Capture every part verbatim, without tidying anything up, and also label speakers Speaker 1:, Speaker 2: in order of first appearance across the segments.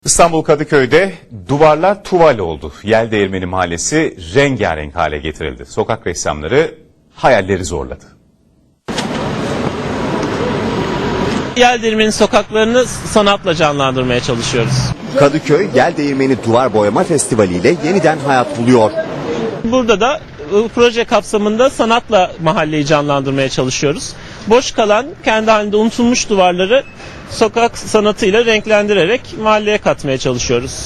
Speaker 1: İstanbul Kadıköy'de duvarlar tuval oldu. Yeldeğirmeni Mahallesi rengarenk hale getirildi. Sokak ressamları hayalleri zorladı.
Speaker 2: Yeldeğirmeni sokaklarını sanatla canlandırmaya çalışıyoruz.
Speaker 3: Kadıköy Yeldeğirmeni Duvar Boyama Festivali ile yeniden hayat buluyor.
Speaker 2: Burada da ıı, proje kapsamında sanatla mahalleyi canlandırmaya çalışıyoruz. Boş kalan, kendi halinde unutulmuş duvarları sokak sanatıyla renklendirerek mahalleye katmaya çalışıyoruz.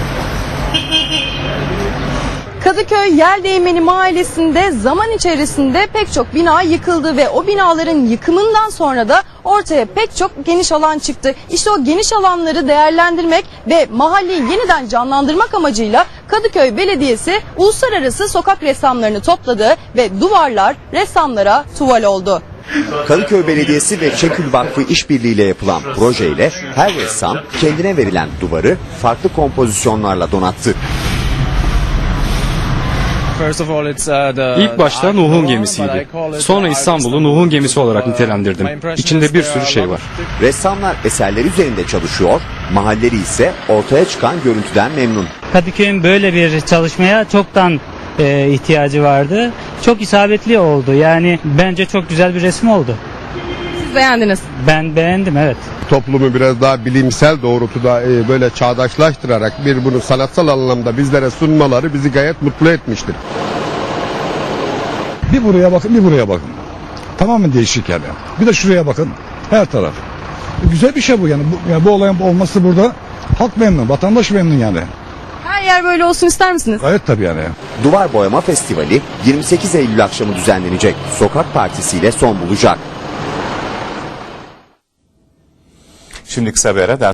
Speaker 4: Kadıköy Yeldeğirmeni Mahallesi'nde zaman içerisinde pek çok bina yıkıldı ve o binaların yıkımından sonra da ortaya pek çok geniş alan çıktı. İşte o geniş alanları değerlendirmek ve mahalleyi yeniden canlandırmak amacıyla Kadıköy Belediyesi uluslararası sokak ressamlarını topladı ve duvarlar ressamlara tuval oldu.
Speaker 3: Kadıköy Belediyesi ve Çekül Vakfı işbirliğiyle yapılan projeyle her ressam kendine verilen duvarı farklı kompozisyonlarla donattı.
Speaker 5: İlk başta Nuh'un gemisiydi. Sonra İstanbul'u Nuh'un gemisi olarak nitelendirdim. İçinde bir sürü şey var.
Speaker 3: Ressamlar eserleri üzerinde çalışıyor, mahalleri ise ortaya çıkan görüntüden memnun.
Speaker 6: Kadıköy'ün böyle bir çalışmaya çoktan e, ihtiyacı vardı. Çok isabetli oldu. Yani bence çok güzel bir resim oldu.
Speaker 4: Siz beğendiniz.
Speaker 6: Ben beğendim, evet.
Speaker 7: Toplumu biraz daha bilimsel doğrultuda e, böyle çağdaşlaştırarak bir bunu sanatsal anlamda bizlere sunmaları bizi gayet mutlu etmiştir.
Speaker 8: Bir buraya bakın, bir buraya bakın. Tamamen değişik yani. Bir de şuraya bakın. Her taraf. Güzel bir şey bu yani. Bu, yani bu olayın olması burada halk memnun, vatandaş memnun yani.
Speaker 4: Her yer böyle olsun ister misiniz?
Speaker 8: Gayet tabii yani.
Speaker 3: Duvar Boyama Festivali yirmi sekiz Eylül akşamı düzenlenecek. Sokak partisiyle son bulacak.
Speaker 1: Şimdi kısa bir ara.